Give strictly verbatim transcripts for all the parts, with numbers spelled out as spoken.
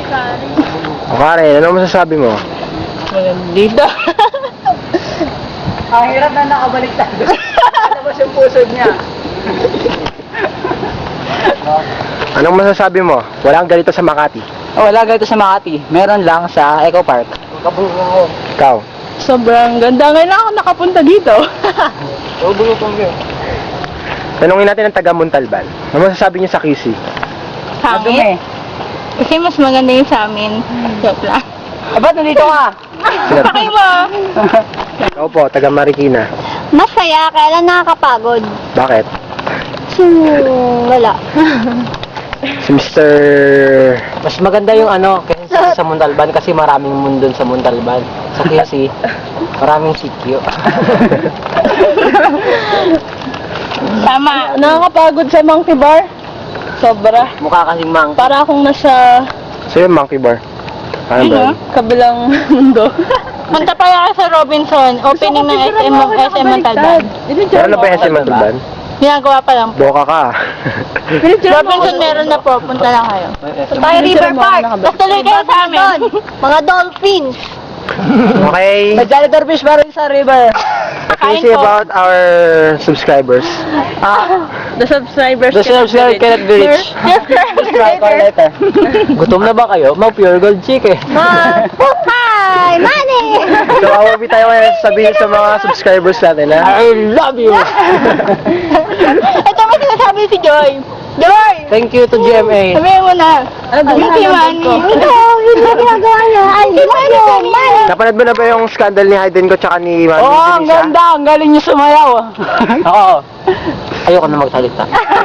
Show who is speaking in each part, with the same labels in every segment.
Speaker 1: O Karen, ano masasabi mo?
Speaker 2: Dito.
Speaker 3: Ang hirap na nakabaliktad. Alabas yung puso niya.
Speaker 1: Anong masasabi mo? Walang ganito sa Makati.
Speaker 3: Oh, wala ganito sa Makati. Meron lang sa Eco Park.
Speaker 1: Ikaw.
Speaker 2: Sobrang ganda. Ngayon lang ako nakapunta dito.
Speaker 1: Tanungin natin ang taga Montalban. Ano masasabi niyo sa Kisi?
Speaker 2: Pangit. Kasi mas maganda yung sa amin. Joke lang.
Speaker 3: Eh, ba't nandito ka?
Speaker 2: Pakay mo.
Speaker 1: Ikaw po, taga Marikina.
Speaker 4: Masaya, kaya lang nakakapagod.
Speaker 1: Bakit?
Speaker 4: Hmm, wala.
Speaker 1: Si Mister
Speaker 3: Mas maganda yung ano, kasi sa, sa Montalban kasi maraming mundo sa Montalban. Sa Quezon, maraming sityo.
Speaker 2: Tama. Nakakapagod sa Monkey Bar. Sobra.
Speaker 3: Mukha kasing mang.
Speaker 2: Para akong nasa
Speaker 1: So yung Monkey Bar. Ano ba? yun?
Speaker 2: kabilang mundo. Punta pa yan sa Robinson. Opening ng S M S M Montalban.
Speaker 1: Meron na ba yung S M Montalban?
Speaker 2: Ginagawa pa lang po.
Speaker 1: Boka ka.
Speaker 2: Robinson meron na po. Punta lang kayo.
Speaker 4: Tayo River Park.
Speaker 2: Tapos tuloy kayo sa amin.
Speaker 4: Mga dolphins.
Speaker 1: Okay.
Speaker 3: May janitor fish pa rin sa river.
Speaker 1: Let's see about our subscribers.
Speaker 3: Ah,
Speaker 2: The subscribers
Speaker 3: the subscriber cannot be reached. Subscribe call later. Gutom na ba kayo? Mag pure gold chicken.
Speaker 4: Hi, money!
Speaker 1: So, awabi tayo ngayon sabihin sa mga subscribers natin, ha?
Speaker 3: I love you.
Speaker 2: Ito mo sinasabi si Joy. Joy!
Speaker 3: Thank you to G M A.
Speaker 2: Sabihin mo na. Thank you, Manny.
Speaker 4: Ito, hindi na ginagawa niya. I love you, money!
Speaker 1: Napanood mo na ba yung scandal ni Hayden ko tsaka ni Mami
Speaker 3: Oh, ang
Speaker 1: Denisa?
Speaker 3: ganda. Ang galing niyo sumayaw. Oo. Ayoko na magsalita.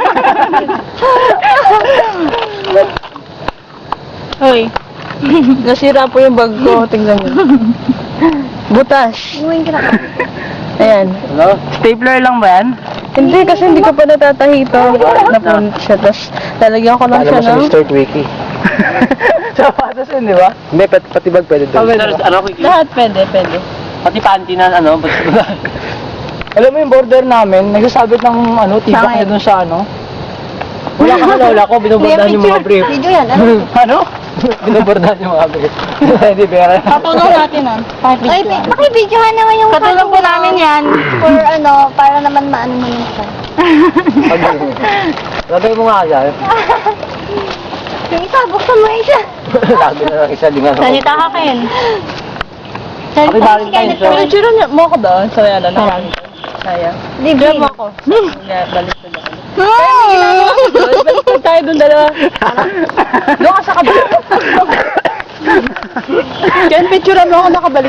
Speaker 2: Hoy. Nasira po yung bag ko. Tingnan mo. Butas.
Speaker 4: Iwan ka na.
Speaker 2: Ayan.
Speaker 3: Hello? Stapler lang ba yan?
Speaker 2: Hindi, kasi hindi ko pa natatahito. Napunit siya. Tapos, lalagyan ko lang
Speaker 1: Alam
Speaker 2: siya,
Speaker 1: mo sa
Speaker 2: no?
Speaker 1: Mister Twiki.
Speaker 3: Sapatos yun, di ba?
Speaker 1: Hindi, pat pati bag pwede doon.
Speaker 3: Ano,
Speaker 2: Lahat pwede, pwede.
Speaker 3: pati panty na, ano, alam mo yung border namin, nagsasabit ng, ano, tibak niya dun sa, ano? Wala ka na, lola ko, binubordahan yung mga brief.
Speaker 4: Video yan, ano?
Speaker 3: Ano? Binubordahan yung mga brief. Hindi, pera.
Speaker 2: Patulong natin, ah.
Speaker 4: Ay, pakibidyohan naman yung
Speaker 2: Patulong po namin yan.
Speaker 4: For ano, para naman maano mo yung isa.
Speaker 3: Lagay mo nga siya.
Speaker 4: Yung isa, buksan mo yung isa.
Speaker 3: Lagi na lang isa, di nga.
Speaker 2: Sanita ka, Ken.
Speaker 3: Happy Valentine's,
Speaker 2: Pero
Speaker 3: so.
Speaker 2: tsura niya mo ako ba? Saya na lang. Saya.
Speaker 4: Libre
Speaker 2: mo ako. Nga, balik ko lang.
Speaker 4: Hmm.
Speaker 2: Balik ko tayo dun dalawa. Doon ka sa kabalik. Ken, picture mo ako nakabalik.